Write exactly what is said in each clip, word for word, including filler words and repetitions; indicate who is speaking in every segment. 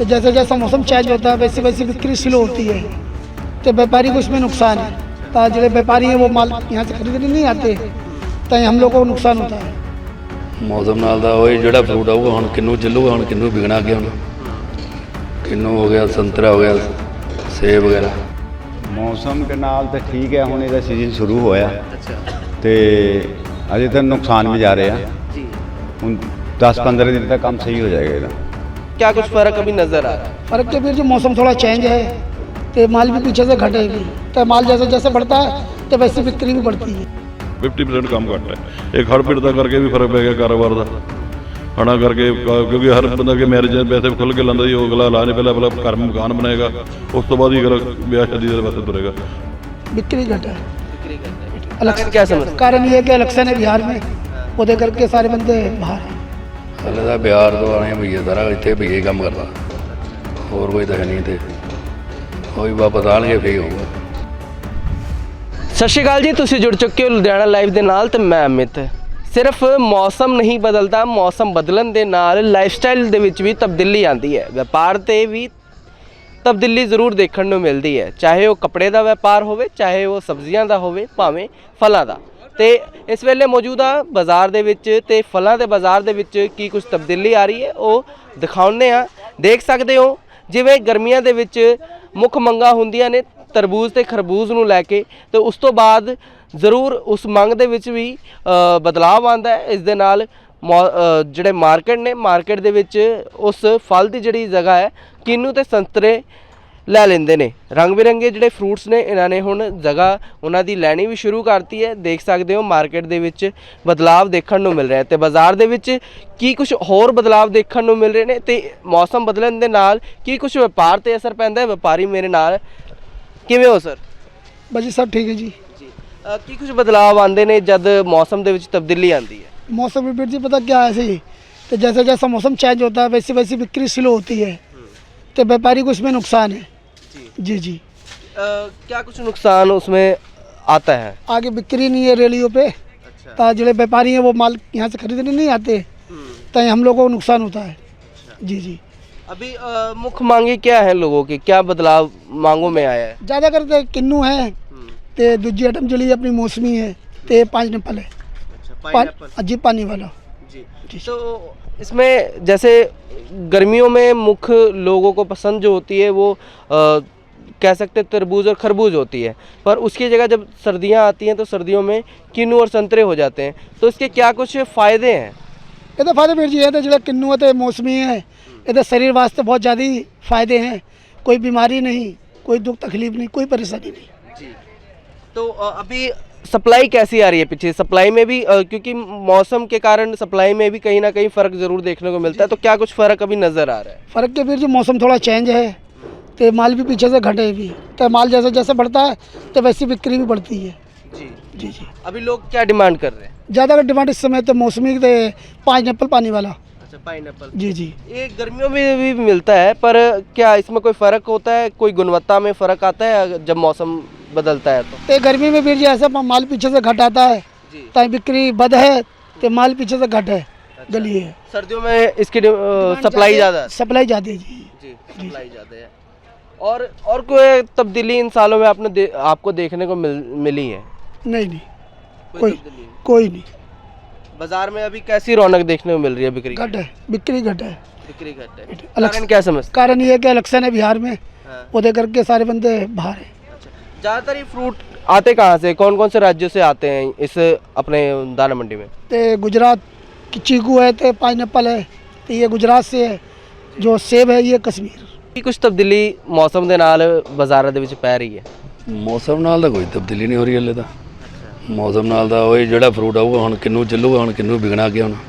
Speaker 1: तो जैसे जैसा मौसम चेंज होता है वैसे वैसे बिक्री स्लो होती है, तो व्यापारी को इसमें नुकसान है। तो जो व्यापारी हैं वो माल यहाँ से खरीदने नहीं आते, तो हम लोग को नुकसान होता है।
Speaker 2: मौसम नाल दा वही जिहड़ा फ्रूट आऊगा हुण किन्नू चलूगा, हुण किन्नू बिकना अगे, हुण किन्नू हो गया, संतरा हो गया, सेब वगैरह।
Speaker 3: मौसम के नाल तो ठीक है, हुण इहदा सीजन शुरू होया ते अजे तक नुकसान भी जा रहे हैं। हुण दस पंद्रह दिन तक काम सही हो जाएगा इहदा।
Speaker 4: क्या कुछ फर्क अभी नजर आ रहा है?
Speaker 1: फर्क के फिर जो मौसम थोड़ा चेंज है तो माल भी पीछे से घटेगी, तो माल जैसे जैसे बढ़ता है तो वैसे बिक्री भी बढ़ती है।
Speaker 5: फिफ्टी परसेंट काम घट है। एक हड़ पीड़ का करके भी फर्क पै गया कारोबार का, हड़ा करके, क्योंकि हर बंदा के मैरिज पैसे खुल के लाता जी, वो अगला ला नहीं, पहले अपना घर में मकान बनाएगा, उस तो बाद ही अगला ब्याह शादी के वास्ते तुरेगा।
Speaker 1: बिक्री घटा है।
Speaker 4: कारण क्या समझ?
Speaker 1: कारण ये है कि इलेक्शन है बिहार में, वो दे करके सारे बंदे बाहर हैं।
Speaker 2: हले तो बिहार तो आने भैया सारा इतने भैया काम करता, होर कोई तो है नहीं, तो वही वापस आएंगे फिर होगा।
Speaker 4: सत श्री अकाल जी, तुसीं जुड़ चुके हो लुधियाना लाइव ਦੇ ਨਾਲ ਤੇ ਮੈਂ ਅਮਿਤ। ਸਿਰਫ ਮੌਸਮ ਨਹੀਂ ਬਦਲਦਾ, ਮੌਸਮ ਬਦਲਣ ਦੇ ਨਾਲ ਲਾਈਫਸਟਾਈਲ ਦੇ ਵਿੱਚ ਵੀ ਤਬਦੀਲੀ ਆਉਂਦੀ ਹੈ, ਵਪਾਰ ਤੇ ਵੀ ਤਬਦੀਲੀ ਜ਼ਰੂਰ ਦੇਖਣ ਨੂੰ ਮਿਲਦੀ ਹੈ, ਚਾਹੇ ਉਹ ਕੱਪੜੇ ਦਾ ਵਪਾਰ ਹੋਵੇ, ਚਾਹੇ ਉਹ ਸਬਜ਼ੀਆਂ ਦਾ ਹੋਵੇ, ਭਾਵੇਂ ਫਲਾਂ ਦਾ। ਤੇ ਇਸ ਵੇਲੇ ਮੌਜੂਦਾ ਬਾਜ਼ਾਰ ਦੇ ਵਿੱਚ ਤੇ ਫਲਾਂ ਦੇ ਬਾਜ਼ਾਰ ਦੇ ਵਿੱਚ ਕੀ ਕੁਝ ਤਬਦੀਲੀ ਆ ਰਹੀ ਹੈ ਉਹ ਦਿਖਾਉਂਦੇ ਆ। ਦੇਖ ਸਕਦੇ ਹੋ ਜਿਵੇਂ ਗਰਮੀਆਂ ਦੇ ਵਿੱਚ ਮੁੱਖ ਮੰਗਾਂ ਹੁੰਦੀਆਂ ਨੇ ਤਰਬੂਜ਼ ਤੇ ਖਰਬੂਜ਼ ਨੂੰ ਲੈ ਕੇ, ਤੇ ਉਸ ਤੋਂ ਬਾਅਦ ਜ਼ਰੂਰ ਉਸ ਮੰਗ ਦੇ ਵਿੱਚ ਵੀ ਬਦਲਾਅ ਆਉਂਦਾ ਹੈ। ਇਸ ਦੇ ਨਾਲ ਜਿਹੜੇ ਮਾਰਕੀਟ ਨੇ, ਮਾਰਕੀਟ ਦੇ ਵਿੱਚ ਉਸ ਫਲ ਦੀ ਜਿਹੜੀ ਜਗ੍ਹਾ ਹੈ ਕਿੰਨੂ ਤੇ ਸੰਤਰੇ ਲੈ ਲੈਂਦੇ ਨੇ। ਰੰਗ ਬਿਰੰਗੇ ਜਿਹੜੇ ਫਰੂਟਸ ਨੇ ਇਹਨਾਂ ਨੇ ਹੁਣ ਜਗ੍ਹਾ ਉਹਨਾਂ ਦੀ ਲੈਣੀ ਵੀ ਸ਼ੁਰੂ ਕਰਤੀ ਹੈ। ਦੇਖ ਸਕਦੇ ਹੋ ਮਾਰਕੀਟ ਦੇ ਵਿੱਚ ਬਦਲਾਅ ਦੇਖਣ ਨੂੰ ਮਿਲ ਰਿਹਾ, ਤੇ ਬਾਜ਼ਾਰ ਦੇ ਵਿੱਚ ਕੀ ਕੁਝ ਹੋਰ ਬਦਲਾਅ ਦੇਖਣ ਨੂੰ ਮਿਲ ਰਹੇ ਨੇ, ਤੇ ਮੌਸਮ ਬਦਲਣ ਦੇ ਨਾਲ ਕੀ ਕੁਝ ਵਪਾਰ ਤੇ ਅਸਰ ਪੈਂਦਾ ਹੈ। ਵਪਾਰੀ ਮੇਰੇ ਨਾਲ ਕਿਵੇਂ ਹੋ ਸਰ?
Speaker 1: बस जी सब ठीक है जी।
Speaker 4: ਜੀ ਕੀ ਕੁਝ ਬਦਲਾਅ ਆਉਂਦੇ ਨੇ ਜਦ ਮੌਸਮ ਦੇ ਵਿੱਚ ਤਬਦੀਲੀ ਆਉਂਦੀ ਹੈ?
Speaker 1: मौसम में फिर जी पता क्या है ऐसे ही, तो जैसे जैसा मौसम चेंज होता है वैसे वैसे बिक्री स्लो होती है, तो व्यापारी को इसमें नुकसान है। जी जी
Speaker 4: क्या कुछ नुकसान उसमें आता है?
Speaker 1: आगे बिक्री नहीं है रेलियों पे, तो जो व्यापारी हैं वो माल यहाँ से खरीदने नहीं आते, तो हम लोगों को नुकसान होता है। जी जी
Speaker 4: अभी अ, मुख्य मांगे क्या है लोगों की, क्या बदलाव मांगों में आया है?
Speaker 1: ज़्यादा करते किन्नू है, तो दूसरी आइटम चली अपनी मौसमी है, तो पाँच नपल है।
Speaker 4: पाइनएप्पल
Speaker 1: जी पानी वाला
Speaker 4: जी। तो इसमें जैसे गर्मियों में मुख्य लोगों को पसंद जो होती है वो आ, कह सकते हैं तरबूज और खरबूज होती है, पर उसकी जगह जब सर्दियां आती हैं तो सर्दियों में किन्नू और संतरे हो जाते हैं, तो इसके क्या कुछ फ़ायदे हैं?
Speaker 1: ये तो फायदे फिर जी है, तो जो किन्नू है तो मौसमी है, ये तो शरीर वास्ते बहुत ज़्यादा फ़ायदे हैं, कोई बीमारी नहीं, कोई दुख तकलीफ नहीं, कोई परेशानी नहीं
Speaker 4: जी। तो अ, अभी सप्लाई कैसी आ रही है? पीछे सप्लाई में भी अ, क्योंकि मौसम के कारण सप्लाई में भी कहीं ना कहीं फ़र्क ज़रूर देखने को मिलता है, तो क्या कुछ फ़र्क अभी नज़र आ रहा है?
Speaker 1: फ़र्क के फिर जो मौसम थोड़ा चेंज है तो माल भी पीछे से घटे भी, तो माल जैसे जैसे बढ़ता है तो वैसी बिक्री भी बढ़ती है।
Speaker 4: जी
Speaker 1: जी जी
Speaker 4: अभी लोग क्या डिमांड कर रहे हैं?
Speaker 1: ज़्यादा डिमांड इस समय तो मौसमी के पाँच एप्पल पानी वाला।
Speaker 4: अच्छा, पाइनएप्पल।
Speaker 1: जी जी
Speaker 4: ये गर्मियों में भी मिलता है, पर क्या इसमें कोई फ़र्क होता है, कोई गुणवत्ता में फ़र्क आता है जब मौसम बदलता है तो?
Speaker 1: तो गर्मी में फिर जी ऐसा माल पीछे से घट आता है, तो बिक्री बद है, तो माल पीछे से घट है, गली है।
Speaker 4: सर्दियों में इसकी सप्लाई ज़्यादा है?
Speaker 1: सप्लाई ज़्यादा है जी।
Speaker 4: जी सप्लाई ज़्यादा है। और और कोई तब्दीली इन सालों में आपने दे, आपको देखने को मिल, मिली है?
Speaker 1: नहीं नहीं
Speaker 4: कोई
Speaker 1: कोई
Speaker 4: तब्दीली नहीं।
Speaker 1: कोई नहीं,
Speaker 4: बाजार में अभी कैसी रौनक देखने को मिल रही है? बिक्री
Speaker 1: घट है, बिक्री घट है।
Speaker 4: बिक्री घट है।
Speaker 1: अलग-
Speaker 4: कारण क्या समझ?
Speaker 1: कारण ये है कि इलेक्शन है बिहार में,
Speaker 4: हाँ।
Speaker 1: वो दे करके सारे बंदे बाहर हैं।
Speaker 4: ज़्यादातर ये फ्रूट आते कहाँ से, कौन कौन से राज्यों से आते हैं इस अपने दाना मंडी में?
Speaker 1: तो गुजरात की चीकू है, तो पाइनएप्पल है, तो ये गुजरात से है, जो सेब है ये कश्मीर।
Speaker 4: ਕੀ ਕੁਝ ਤਬਦੀਲੀ ਮੌਸਮ ਦੇ ਨਾਲ ਬਾਜ਼ਾਰਾਂ ਦੇ ਵਿੱਚ ਪੈ ਰਹੀ ਹੈ?
Speaker 2: ਮੌਸਮ ਨਾਲ ਤਾਂ ਕੋਈ ਤਬਦੀਲੀ ਨਹੀਂ ਹੋ ਰਹੀ ਹਲੇ ਤਾਂ। ਮੌਸਮ ਨਾਲ ਤਾਂ ਉਹੀ ਜਿਹੜਾ ਫਰੂਟ ਆਊਗਾ ਹੁਣ ਕਿੰਨੂ ਚੱਲੂਗਾ, ਹੁਣ ਕਿੰਨੂ ਵਿਕਣਾ ਅੱਗੇ, ਹੁਣ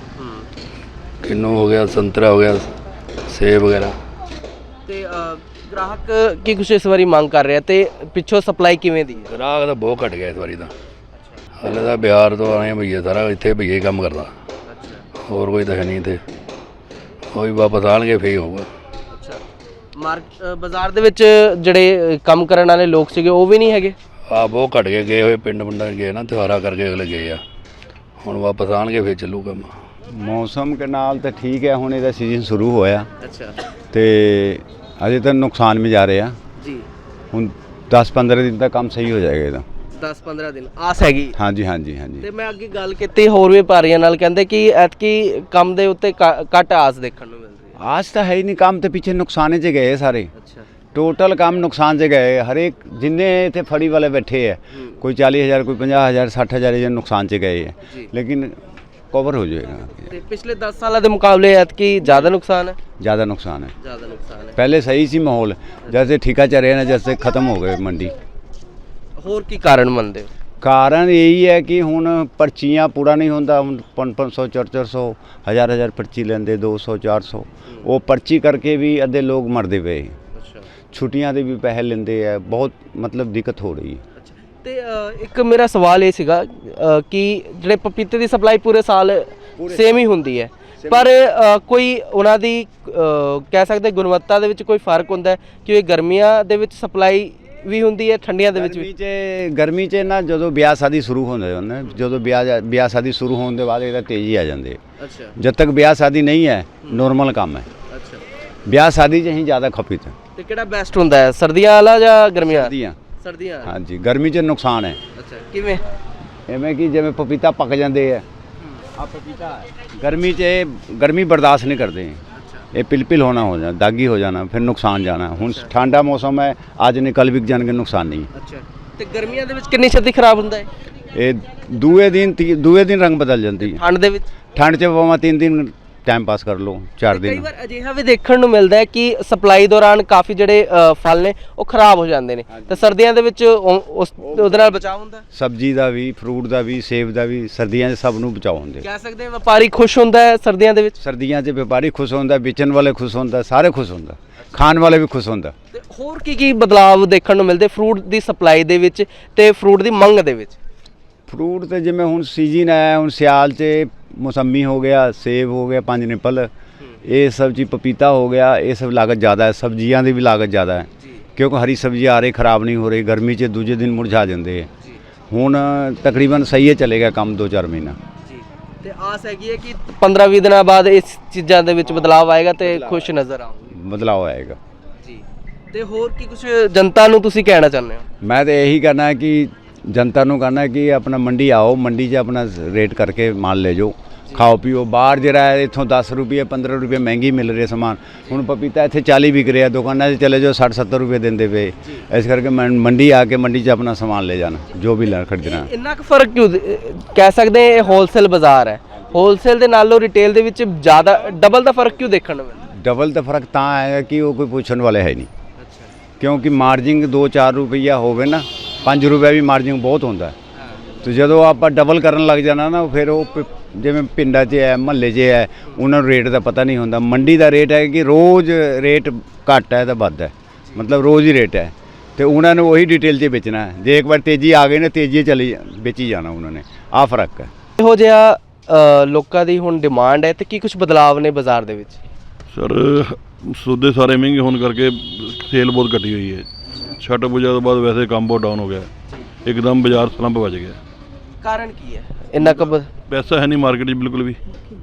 Speaker 2: ਕਿੰਨੂ ਹੋ ਗਿਆ, ਸੰਤਰਾ ਹੋ ਗਿਆ, ਸੇਬ ਵਗੈਰਾ।
Speaker 4: ਤੇ ਗ੍ਰਾਹਕ ਕੀ ਕੁਝ ਇਸ ਵਾਰੀ ਮੰਗ ਕਰ ਰਿਹਾ, ਤੇ ਪਿੱਛੋਂ ਸਪਲਾਈ ਕਿਵੇਂ ਦੀ ਹੈ?
Speaker 2: ਗ੍ਰਾਹਕ ਤਾਂ ਬਹੁਤ ਘਟ ਗਿਆ ਇਸ ਵਾਰੀ ਤਾਂ। ਹਲੇ ਤਾਂ ਬਿਹਾਰ ਤੋਂ ਆਏ ਭਈਆ ਸਾਰਾ ਇੱਥੇ ਭਈਆ ਹੀ ਕੰਮ ਕਰਦਾ, ਹੋਰ ਕੋਈ ਤਾਂ ਹੈ ਨਹੀਂ, ਤੇ ਉਹੀ ਵਾਪਸ ਆਉਣਗੇ ਫਿਰ ਹੋਊਗਾ।
Speaker 4: ਮਾਰਕ ਬਾਜ਼ਾਰ ਦੇ ਵਿੱਚ ਜਿਹੜੇ ਕੰਮ ਕਰਨ ਵਾਲੇ ਲੋਕ ਸੀਗੇ ਉਹ ਵੀ ਨਹੀਂ ਹੈਗੇ?
Speaker 2: ਆ ਬਹੁਤ ਘਟ ਗਏ, ਗਏ ਹੋਏ ਪਿੰਡ ਪਿੰਡਾਂ ਗਏ ਨਾ, ਤਿਉਹਾਰਾਂ ਕਰਕੇ ਅਗਲੇ ਗਏ ਆ, ਹੁਣ ਵਾਪਸ ਆਉਣਗੇ ਫਿਰ ਚੱਲੂ ਕੰਮ।
Speaker 3: ਮੌਸਮ ਦੇ ਨਾਲ ਤਾਂ ਠੀਕ ਹੈ, ਹੁਣ ਇਹਦਾ ਸੀਜ਼ਨ ਸ਼ੁਰੂ ਹੋਇਆ
Speaker 4: ਅੱਛਾ
Speaker 3: ਤੇ ਅਜੇ ਤਾਂ ਨੁਕਸਾਨ ਵੀ ਜਾ ਰਿਹਾ
Speaker 4: ਜੀ।
Speaker 3: ਹੁਣ ਦਸ ਪੰਦਰਾਂ ਦਿਨ ਤੱਕ ਕੰਮ ਸਹੀ ਹੋ ਜਾਏਗਾ ਇਹਦਾ।
Speaker 4: ਦਸ ਪੰਦਰਾਂ ਦਿਨ ਆਸ ਹੈਗੀ।
Speaker 3: ਹਾਂਜੀ ਹਾਂਜੀ ਹਾਂਜੀ।
Speaker 4: ਤੇ ਮੈਂ ਅੱਗੇ ਗੱਲ ਕੀਤੀ ਹੋਰ ਵਪਾਰੀਆਂ ਨਾਲ, ਕਹਿੰਦੇ ਕਿ ਐਤਕੀ ਕੰਮ ਦੇ ਉੱਤੇ ਘੱਟ ਆਸ ਦੇਖਣ ਨੂੰ ਮਿਲ ਰਹੀ ਹੈ।
Speaker 3: ਆਜ ਤਾਂ ਹੈ ਹੀ ਨਹੀਂ, ਕੰਮ ਤੇ ਪਿੱਛੇ ਨੁਕਸਾਨੇ 'ਚ ਗਏ ਸਾਰੇ,
Speaker 4: ਅੱਛਾ
Speaker 3: ਟੋਟਲ ਕੰਮ ਨੁਕਸਾਨ 'ਚ ਗਏ। ਹਰੇਕ ਜਿੰਨੇ ਇੱਥੇ ਫੜੀ ਵਾਲੇ ਬੈਠੇ ਹੈ, ਕੋਈ ਚਾਲੀ ਹਜ਼ਾਰ ਕੋਈ ਪੰਜਾਹ ਹਜ਼ਾਰ ਸੱਠ ਹਜ਼ਾਰ ਇਹ ਨੁਕਸਾਨ 'ਚ ਗਏ ਹੈ, ਲੇਕਿन कवर हो जाएगा।
Speaker 4: ਤੇ ਪਿਛਲੇ ਦਸ ਸਾਲਾਂ ਦੇ ਮੁਕਾਬਲੇ ਐਤਕੀ ਜ਼ਿਆਦਾ ਨੁਕਸਾਨ ਹੈ।
Speaker 3: ज़्यादा नुकसान है,
Speaker 4: ਜ਼ਿਆਦਾ ਨੁਕਸਾਨ ਹੈ।
Speaker 3: पहले सही सी माहौल, जैसे ठेका चल रहे ना जैसे ख़त्म हो गए मंडी।
Speaker 4: ਹੋਰ ਕੀ ਕਾਰਨ ਮੰਨਦੇ ਹੋ?
Speaker 3: ਕਾਰਨ ਇਹੀ ਹੈ ਕਿ ਹੁਣ ਪਰਚੀਆਂ ਪੂਰਾ ਨਹੀਂ ਹੁੰਦਾ, ਹੁਣ ਪੰਜ ਪੰਜ ਸੌ ਚਾਰ ਚਾਰ ਸੌ ਹਜ਼ਾਰ ਹਜ਼ਾਰ ਪਰਚੀ ਲੈਂਦੇ, ਦੋ ਸੌ ਚਾਰ ਸੌ ਉਹ ਪਰਚੀ ਕਰਕੇ ਵੀ ਅੱਧੇ ਲੋਕ ਮਰਦੇ ਪਏ।
Speaker 4: ਅੱਛਾ
Speaker 3: ਛੁੱਟੀਆਂ ਦੇ ਵੀ ਪੈਸੇ ਲੈਂਦੇ ਆ, ਬਹੁਤ ਮਤਲਬ ਦਿੱਕਤ ਹੋ ਰਹੀ ਹੈ।
Speaker 4: ਤੇ ਅ, ਇੱਕ ਮੇਰਾ ਸਵਾਲ ਇਹ ਸੀਗਾ ਅ, ਕਿ ਜਿਹੜੇ ਪਪੀਤੇ ਦੀ ਸਪਲਾਈ ਪੂਰੇ ਸਾਲ ਸੇਮ ਹੀ ਹੁੰਦੀ ਹੈ, ਪਰ ਅ, ਕੋਈ ਉਹਨਾਂ ਦੀ ਅ, ਕਹਿ ਸਕਦੇ ਗੁਣਵੱਤਾ ਦੇ ਵਿੱਚ ਕੋਈ ਫਰਕ ਹੁੰਦਾ ਹੈ ਕਿ ਇਹ ਗਰਮੀਆਂ ਦੇ ਵਿੱਚ ਸਪਲਾਈ ਵੀ ਹੁੰਦੀ ਹੈ, ਠੰਡੀਆਂ ਦੇ ਵਿੱਚ
Speaker 3: ਗਰਮੀ
Speaker 4: ਵੀ?
Speaker 3: 'ਚ ਗਰਮੀ 'ਚ ਨਾ ਜਦੋਂ ਵਿਆਹ ਸ਼ਾਦੀ ਸ਼ੁਰੂ ਹੁੰਦੇ ਹੁੰਦੇ, ਜਦੋਂ ਵਿਆਹ ਵਿਆਹ ਸ਼ਾਦੀ ਸ਼ੁਰੂ ਹੋਣ ਦੇ ਬਾਅਦ ਇਹਦਾ ਤੇਜ਼ੀ ਆ ਜਾਂਦੀ ਹੈ।
Speaker 4: ਅੱਛਾ
Speaker 3: ਜਦ ਤੱਕ ਵਿਆਹ ਸ਼ਾਦੀ ਨਹੀਂ ਹੈ ਨੋਰਮਲ ਕੰਮ ਹੈ।
Speaker 4: ਅੱਛਾ
Speaker 3: ਵਿਆਹ ਸ਼ਾਦੀ 'ਚ ਹੀ ਜ਼ਿਆਦਾ ਖਪਤ ਹੈ।
Speaker 4: ਤੇ ਕਿਹੜਾ ਬੈਸਟ ਹੁੰਦਾ ਹੈ, ਸਰਦੀਆਂ ਵਾਲਾ ਜਾਂ ਗਰਮੀਆਂ ਵਾਲਾ?
Speaker 3: ਸਰਦੀਆਂ
Speaker 4: ਸਰਦੀਆਂ ਵਾਲਾ।
Speaker 3: ਹਾਂਜੀ, ਗਰਮੀ 'ਚ ਨੁਕਸਾਨ ਹੈ।
Speaker 4: ਅੱਛਾ ਕਿਵੇਂ?
Speaker 3: ਐਵੇਂ ਕਿ ਜਿਵੇਂ ਪਪੀਤਾ ਪੱਕ ਜਾਂਦੇ ਆ, ਆ ਪਪੀਤਾ ਗਰਮੀ 'ਚ ਇਹ ਗਰਮੀ ਬਰਦਾਸ਼ਤ ਨਹੀਂ ਕਰਦੇ, ਇਹ ਪਿਲ-ਪਿਲ ਹੋਣਾ ਹੋ ਜਾਣਾ, ਦਾਗੀ ਹੋ ਜਾਣਾ, ਫਿਰ ਨੁਕਸਾਨ ਜਾਣਾ। ਹੁਣ ਠੰਡਾ ਮੌਸਮ ਹੈ, ਅੱਜ ਨੇ ਕੱਲ ਵਿਕ ਜਾਣਗੇ, ਨੁਕਸਾਨ ਨਹੀਂ।
Speaker 4: ਅੱਛਾ ਤੇ ਗਰਮੀਆਂ ਦੇ ਵਿੱਚ ਕਿੰਨੀ ਛੇਤੀ ਖਰਾਬ ਹੁੰਦਾ ਹੈ?
Speaker 3: ਇਹ ਦੂਏ ਦਿਨ ਤੀ- ਦੂਏ ਦਿਨ ਰੰਗ ਬਦਲ ਜਾਂਦੀ ਹੈ।
Speaker 4: ਠੰਡ ਦੇ ਵਿੱਚ?
Speaker 3: ਠੰਡ 'ਚ ਭਾਵੇਂ ਤਿੰਨ ਦਿਨ ਟਾਈਮ ਪਾਸ ਕਰ ਲਓ, ਚਾਰ
Speaker 4: ਕਈ
Speaker 3: ਦਿਨ।
Speaker 4: ਵਾਰ ਅਜਿਹਾ ਵੀ ਦੇਖਣ ਨੂੰ ਮਿਲਦਾ ਹੈ ਕਿ ਸਪਲਾਈ ਦੌਰਾਨ ਕਾਫੀ ਜਿਹੜੇ ਅ, ਫਲ ਨੇ ਉਹ ਖਰਾਬ ਹੋ ਜਾਂਦੇ ਨੇ, ਤੇ ਸਰਦੀਆਂ ਦੇ ਵਿੱਚ ਉਹ- ਉਸ ਉਹਦੇ ਨਾਲ ਬਚਾਅ ਹੁੰਦਾ ਹੈ।
Speaker 3: ਸਬਜ਼ੀ ਦਾ ਵੀ, ਫਰੂਟ ਦਾ ਵੀ, ਸੇਬ ਦਾ ਵੀ, ਸਰਦੀਆਂ 'ਚ ਸਭ ਨੂੰ ਬਚਾਓ ਹੁੰਦੇ।
Speaker 4: ਕਹਿ ਸਕਦੇ ਹਾਂ ਵਪਾਰੀ ਖੁਸ਼ ਹੁੰਦਾ ਹੈ ਸਰਦੀਆਂ ਦੇ ਵਿੱਚ?
Speaker 3: ਸਰਦੀਆਂ 'ਚ ਵਪਾਰੀ ਖੁਸ਼ ਹੁੰਦਾ, ਵੇਚਣ ਵਾਲੇ ਖੁਸ਼ ਹੁੰਦਾ, ਸਾਰੇ ਖੁਸ਼ ਹੁੰਦਾ, ਖਾਣ ਵਾਲੇ ਵੀ ਖੁਸ਼ ਹੁੰਦਾ।
Speaker 4: ਤੇ ਹੋਰ ਕੀ ਕੀ ਬਦਲਾਵ ਦੇਖਣ ਨੂੰ ਮਿਲਦੇ ਫਰੂਟ ਦੀ ਸਪਲਾਈ ਦੇ ਵਿੱਚ ਤੇ ਫਰੂਟ ਦੀ ਮੰਗ ਦੇ ਵਿੱਚ?
Speaker 3: ਫਰੂਟ ਤੇ ਜਿਵੇਂ ਹੁਣ ਸੀਜ਼ਨ ਆਇਆ, ਹੁਣ ਸਿਆਲ 'ਚ ਮੌਸੰਮੀ ਹੋ ਗਿਆ, ਸੇਬ ਹੋ ਗਿਆ, ਪੰਜ ਨਿਪਲ, ਇਹ ਸਭ ਚੀਜ਼, ਪਪੀਤਾ ਹੋ ਗਿਆ, ਇਹ सब लागत ज़्यादा है। सब्जियां ਦੀ ਵੀ लागत ज़्यादा है, क्योंकि हरी सब्जी आ रही ख़राब नहीं हो रही, गर्मी 'ਚ ਦੂਜੇ ਦਿਨ ਮੁਰਝਾ ਜਾਂਦੇ ਹੈ। ਹੁਣ ਤਕਰੀਬਨ ਸਹੀ ਹੈ, ਚੱਲੇਗਾ ਕੰਮ ਦੋ ਚਾਰ ਮਹੀਨਾ।
Speaker 4: ਜੀ ਤੇ ਆਸ ਹੈਗੀ ਹੈ ਕਿ ਪੰਦਰਾਂ ਵੀਹ ਦਿਨਾਂ ਬਾਅਦ ਇਸ ਚੀਜ਼ਾਂ ਦੇ ਵਿੱਚ ਬਦਲਾਵ ਆਏਗਾ ਤੇ ਖੁਸ਼ ਨਜ਼ਰ ਆਉਂਗੇ।
Speaker 3: ਬਦਲਾਅ ਆਏਗਾ
Speaker 4: ਜੀ ਤੇ ਹੋਰ ਕੀ ਕੁਝ ਜਨਤਾ ਨੂੰ ਤੁਸੀਂ ਕਹਿਣਾ ਚਾਹੁੰਦੇ ਹੋ?
Speaker 3: ਮੈਂ ਤਾਂ ਇਹੀ ਕਰਨਾ ਹੈ ਕਿ ਜਨਤਾ ਨੂੰ ਕਹਿਣਾ ਕਿ ਆਪਣਾ ਮੰਡੀ ਆਓ, ਮੰਡੀ 'ਚ ਆਪਣਾ ਰੇਟ ਕਰਕੇ ਮਾਲ ਲੈ ਜਾਓ, ਖਾਓ ਪੀਓ। ਬਾਹਰ ਜਿਹੜਾ ਹੈ ਇੱਥੋਂ ਦਸ ਰੁਪਏ ਪੰਦਰਾਂ ਰੁਪਏ ਮਹਿੰਗੀ ਮਿਲ ਰਹੀ ਸਮਾਨ, ਹੁਣ ਪਪੀਤਾ ਇੱਥੇ ਚਾਲੀ ਵਿਕ ਰਿਹਾ, ਦੁਕਾਨਾਂ 'ਚ ਚਲੇ ਜਾਓ ਸੱਠ ਸੱਤਰ ਰੁਪਏ ਦਿੰਦੇ ਪਏ। ਇਸ ਕਰਕੇ ਮੈਂ ਮੰਡੀ ਆ ਕੇ ਮੰਡੀ 'ਚ ਆਪਣਾ ਸਮਾਨ ਲੈ ਜਾਣਾ, ਜੋ ਵੀ ਲੈ ਖਰੀਦਣਾ।
Speaker 4: ਇੰਨਾ ਕੁ ਫਰਕ ਕਿਉਂ ਦੇ- ਕਹਿ ਸਕਦੇ ਹਾਂ ਇਹ ਹੋਲਸੇਲ ਬਾਜ਼ਾਰ ਹੈ, ਹੋਲਸੇਲ ਦੇ ਨਾਲੋਂ ਰਿਟੇਲ ਦੇ ਵਿੱਚ ਜ਼ਿਆਦਾ ਡਬਲ ਦਾ ਫਰਕ ਕਿਉਂ ਦੇਖਣ ਨੂੰ ਮਿਲਦਾ?
Speaker 3: ਡਬਲ ਤਾਂ ਫਰਕ ਤਾਂ ਆਏਗਾ ਕਿ ਉਹ ਕੋਈ ਪੁੱਛਣ ਵਾਲੇ ਹੈ ਨਹੀਂ, ਕਿਉਂਕਿ ਮਾਰਜਿੰਗ ਦੋ ਚਾਰ ਰੁਪਈਆ ਹੋਵੇ ਨਾ, ਪੰਜ ਰੁਪਏ ਵੀ ਮਾਰਜਿੰਗ ਬਹੁਤ ਹੁੰਦਾ। ਤੇ ਜਦੋਂ ਆਪਾਂ ਡਬਲ ਕਰਨ ਲੱਗ ਜਾਣਾ ਨਾ, ਫਿਰ ਉਹ ਪ- ਜਿਵੇਂ ਪਿੰਡਾਂ 'ਚ ਹੈ, ਮਹੱਲੇ 'ਚ ਹੈ, ਉਹਨਾਂ ਨੂੰ ਰੇਟ ਦਾ ਪਤਾ ਨਹੀਂ ਹੁੰਦਾ। ਮੰਡੀ ਦਾ ਰੇਟ ਹੈ ਕਿ ਰੋਜ਼ ਰੇਟ ਘੱਟ ਹੈ ਤਾਂ ਵੱਧ ਹੈ, ਮਤਲਬ ਰੋਜ਼ ਹੀ ਰੇਟ ਹੈ, ਤੇ ਉਹਨਾਂ ਨੂੰ ਉਹੀ ਡਿਟੇਲ 'ਚ ਵੇਚਣਾ ਹੈ। ਜੇ ਇੱਕ ਵਾਰ ਤੇਜ਼ੀ ਆ ਗਈ ਨਾ, ਤੇਜ਼ੀ ਚਲੀ ਵੇਚੀ ਜਾਣਾ ਉਹਨਾਂ ਨੇ, ਆਹ ਫਰਕ ਹੈ।
Speaker 4: ਇਹੋ ਜਿਹਾ ਅ, ਲੋਕਾਂ ਦੀ ਹੁਣ ਡਿਮਾਂਡ ਹੈ ਤੇ ਕੀ ਕੁਝ ਬਦਲਾਵ ਨੇ ਬਾਜ਼ਾਰ ਦੇ ਵਿੱਚ?
Speaker 5: ਸਰ ਸੌਦੇ ਸਾਰੇ ਮਹਿੰਗੇ ਹੋਣ ਕਰਕੇ ਸੇਲ ਬਹੁਤ ਘਟੀ ਹੋਈ ਹੈ। ਛੱਟ ਪੂਜਾ ਤੋਂ ਬਾਅਦ ਵੈਸੇ ਕੰਮ ਬਹੁਤ ਡਾਊਨ ਹੋ ਗਿਆ, ਇੱਕਦਮ ਬਾਜ਼ਾਰ ਸਲੰਪ ਵੱਜ ਗਿਆ।
Speaker 4: ਕਾਰਨ ਕੀ ਹੈ ਇੰਨਾ ਕੁ ਬ-
Speaker 5: ਪੈਸਾ ਹੈ ਨਹੀਂ ਮਾਰਕੀਟ 'ਚ ਬਿਲਕੁਲ ਵੀ।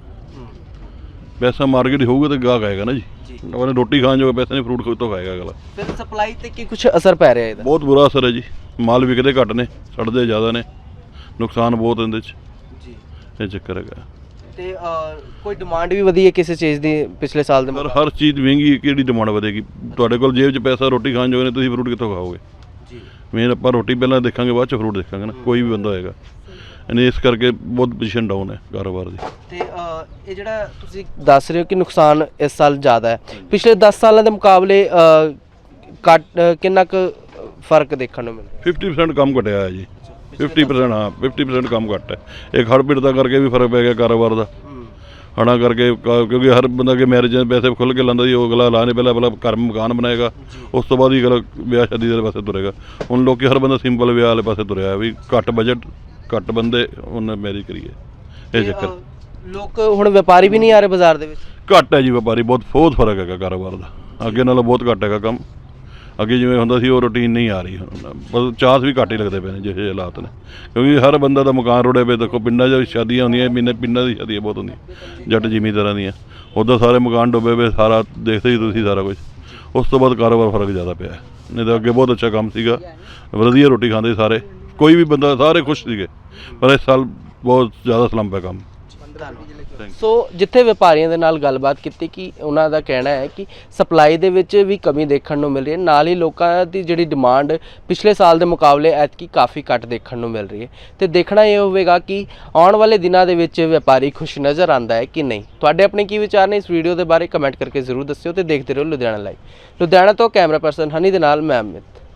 Speaker 5: ਪੈਸਾ ਮਾਰਕੀਟ ਹੋਊਗਾ ਤਾਂ ਗਾਹਕ ਆਏਗਾ ਨਾ ਜੀ, ਉਹਨੇ ਰੋਟੀ ਖਾਣ ਜੋਗਾ ਪੈਸਾ ਨਹੀਂ, ਫਰੂਟ ਖੁਦ ਤੋਂ ਖਾਏਗਾ ਅਗਲਾ।
Speaker 4: ਫਿਰ ਸਪਲਾਈ ਤੇ ਕੀ ਕੁਝ ਅਸਰ ਪੈ ਰਿਹਾ ਇਹਦਾ?
Speaker 5: ਬਹੁਤ ਬੁਰਾ ਅਸਰ ਹੈ ਜੀ, ਮਾਲ ਵਿਕਦੇ ਘੱਟ ਨੇ, ਸੜਦੇ ਜ਼ਿਆਦਾ ਨੇ, ਨੁਕਸਾਨ ਬਹੁਤ ਇਹਦੇ 'ਚ,
Speaker 4: ਜੀ
Speaker 5: ਇਹ ਚੱਕਰ ਹੈਗਾ।
Speaker 4: ਤੇ ਅ, ਕੋਈ ਡਿਮਾਂਡ ਵੀ ਵਧੀ ਹੈ ਕਿਸੇ ਚੀਜ਼ ਦੀ ਪਿਛਲੇ ਸਾਲ ਦੇ
Speaker 5: ਪਰ
Speaker 4: ਮੁਕਾਬਲੇ?
Speaker 5: ਹਰ ਚੀਜ਼ ਮਹਿੰਗੀ, ਕਿਹੜੀ ਡਿਮਾਂਡ ਵਧੇਗੀ? ਤੁਹਾਡੇ ਕੋਲ ਜੇਬ 'ਚ ਪੈਸਾ ਰੋਟੀ ਖਾਣ ਜੋਗੇ ਨੇ, ਤੁਸੀਂ ਫਰੂਟ ਕਿੱਥੋਂ ਖਾਓਗੇ?
Speaker 4: ਜੀ
Speaker 5: ਮੇਨ ਆਪਾਂ ਰੋਟੀ ਪਹਿਲਾਂ ਦੇਖਾਂਗੇ, ਬਾਅਦ 'ਚ ਫਰੂਟ ਦੇਖਾਂਗੇ ਨਾ, ਕੋਈ ਵੀ ਬੰਦਾ ਹੋਏਗਾ। ਇਹਨੇ ਇਸ ਕਰਕੇ ਬਹੁਤ ਪੋਜੀਸ਼ਨ ਡਾਊਨ ਹੈ ਕਾਰੋਬਾਰ ਦੀ।
Speaker 4: ਤੇ ਅ, ਇਹ ਜਿਹੜਾ ਤੁਸੀਂ ਦੱਸ ਰਹੇ ਹੋ ਕਿ ਨੁਕਸਾਨ ਇਸ ਸਾਲ ਜ਼ਿਆਦਾ ਹੈ, ਪਿਛਲੇ ਦਸ ਸਾਲਾਂ ਦੇ ਮੁਕਾਬਲੇ ਅ, ਘੱਟ ਅ, ਕਿੰਨਾ ਕੁ ਫਰਕ ਦੇਖਣ ਨੂੰ ਮਿਲਦਾ?
Speaker 5: ਫਿਫਟੀ ਪਰਸੈਂਟ ਕੰਮ ਘਟਿਆ ਹੈ ਜੀ, ਫਿਫਟੀ ਪਰਸੈਂਟ ਹਾਂ ਫਿਫਟੀ ਪਰਸੈਂਟ ਕੰਮ ਘੱਟ ਹੈ। ਇਹ ਖੜ ਪਿੜ ਦਾ ਕਰਕੇ ਵੀ ਫਰਕ ਪੈ ਗਿਆ ਕਾਰੋਬਾਰ ਦਾ, ਹਣਾ ਕਰਕੇ ਕ- ਕਿਉਂਕਿ ਹਰ ਬੰਦਾ ਕਿ ਮੈਰਿਜ ਦੇ ਪੈਸੇ ਖੁੱਲ੍ਹ ਕੇ ਲਾਉਂਦਾ ਜੀ, ਉਹ ਅਗਲਾ ਲਾ ਨਹੀਂ, ਪਹਿਲਾਂ ਪਹਿਲਾਂ ਘਰ ਮਕਾਨ ਬਣਾਏਗਾ, ਉਸ ਤੋਂ ਬਾਅਦ ਹੀ ਅਗਲਾ ਵਿਆਹ ਸ਼ਾਦੀ ਦੇ ਪਾਸੇ ਤੁਰੇਗਾ। ਹੁਣ ਲੋਕੀ ਹਰ ਬੰਦਾ ਸਿੰਪਲ ਵਿਆਹ ਵਾਲੇ ਪਾਸੇ ਤੁਰਿਆ ਵੀ, ਘੱਟ ਬਜਟ, ਘੱਟ ਬੰਦੇ, ਉਹਨੇ ਮੈਰਿਜ ਕਰੀਏ, ਇਹ ਚੱਕਰ।
Speaker 4: ਅ, ਲੋਕ ਹੁਣ ਵਪਾਰੀ ਵੀ ਨਹੀਂ ਆ ਰਹੇ ਬਾਜ਼ਾਰ ਦੇ ਵਿੱਚ?
Speaker 5: ਘੱਟ ਹੈ ਜੀ ਵਪਾਰੀ, ਬਹੁਤ ਬਹੁਤ ਫਰਕ ਹੈਗਾ ਕਾਰੋਬਾਰ ਦਾ, ਅੱਗੇ ਨਾਲੋਂ ਬਹੁਤ ਘੱਟ ਹੈਗਾ ਕੰਮ। ਅੱਗੇ ਜਿਵੇਂ ਹੁੰਦਾ ਸੀ ਉਹ ਰੂਟੀਨ ਨਹੀਂ ਆ ਰਹੀ ਹੁਣ, ਬਸ ਚਾਂਸ ਵੀ ਘੱਟ ਹੀ ਲੱਗਦੇ ਪਏ ਨੇ ਜਿਹੇ ਹਾਲਾਤ ਨੇ, ਕਿਉਂਕਿ ਹਰ ਬੰਦਾ ਦਾ ਮਕਾਨ ਰੁੜੇ ਪਏ। ਦੇਖੋ ਪਿੰਡਾਂ 'ਚ ਸ਼ਾਦੀਆਂ ਹੁੰਦੀਆਂ, ਪਿੰਡਾਂ ਪਿੰਡਾਂ ਦੀ ਸ਼ਾਦੀਆਂ ਬਹੁਤ ਹੁੰਦੀਆਂ ਜੱਟ ਜ਼ਿਮੀਂਦਾਰਾਂ ਦੀਆਂ, ਉੱਦਾਂ ਸਾਰੇ ਮਕਾਨ ਡੁੱਬੇ ਪਏ, ਸਾਰਾ ਦੇਖਦੇ ਹੀ ਤੁਸੀਂ ਸਾਰਾ ਕੁਝ। ਉਸ ਤੋਂ ਬਾਅਦ ਕਾਰੋਬਾਰ ਫਰਕ ਜ਼ਿਆਦਾ ਪਿਆ, ਨਹੀਂ ਤਾਂ ਅੱਗੇ ਬਹੁਤ ਅੱਛਾ ਕੰਮ ਸੀਗਾ, ਵਧੀਆ ਰੋਟੀ ਖਾਂਦੇ ਸਾਰੇ, ਕੋਈ ਵੀ ਬੰਦਾ, ਸਾਰੇ ਖੁਸ਼ ਸੀਗੇ। ਪਰ ਇਸ ਸਾਲ ਬਹੁਤ ਜ਼ਿਆਦਾ ਸਲੰਪ ਹੈ ਕੰਮ।
Speaker 4: ਸੋ ਜਿੱਥੇ ਵਪਾਰੀਆਂ ਦੇ ਨਾਲ ਗੱਲਬਾਤ ਕੀਤੀ ਕਿ ਉਹਨਾਂ ਦਾ ਕਹਿਣਾ ਹੈ ਕਿ ਸਪਲਾਈ ਦੇ ਵਿੱਚ ਵੀ ਕਮੀ ਦੇਖਣ ਨੂੰ ਮਿਲ ਰਹੀ ਹੈ, ਨਾਲ ਹੀ ਲੋਕਾਂ ਦੀ ਜਿਹੜੀ ਡਿਮਾਂਡ ਪਿਛਲੇ ਸਾਲ ਦੇ ਮੁਕਾਬਲੇ ਐਤਕੀ ਕਾਫੀ ਘੱਟ ਦੇਖਣ ਨੂੰ ਮਿਲ ਰਹੀ ਹੈ। ਤੇ ਦੇਖਣਾ ਇਹ ਹੋਵੇਗਾ ਕਿ ਆਉਣ ਵਾਲੇ ਦਿਨਾਂ ਦੇ ਵਿੱਚ ਵਪਾਰੀ ਖੁਸ਼ ਨਜ਼ਰ ਆਉਂਦਾ ਹੈ ਕਿ ਨਹੀਂ। ਤੁਹਾਡੇ ਆਪਣੇ ਕੀ ਵਿਚਾਰ ਨੇ ਇਸ ਵੀਡੀਓ ਦੇ ਬਾਰੇ ਕਮੈਂਟ ਕਰਕੇ ਜ਼ਰੂਰ ਦੱਸਿਓ ਤੇ ਦੇਖਦੇ ਰਹੋ ਲੁਧਿਆਣਾ ਲਾਈਵ। ਲੁਧਿਆਣਾ ਤੋਂ ਕੈਮਰਾ ਪਰਸਨ ਹਨੀ ਦੇ ਨਾਲ ਮੈਂ ਅਮਿਤ।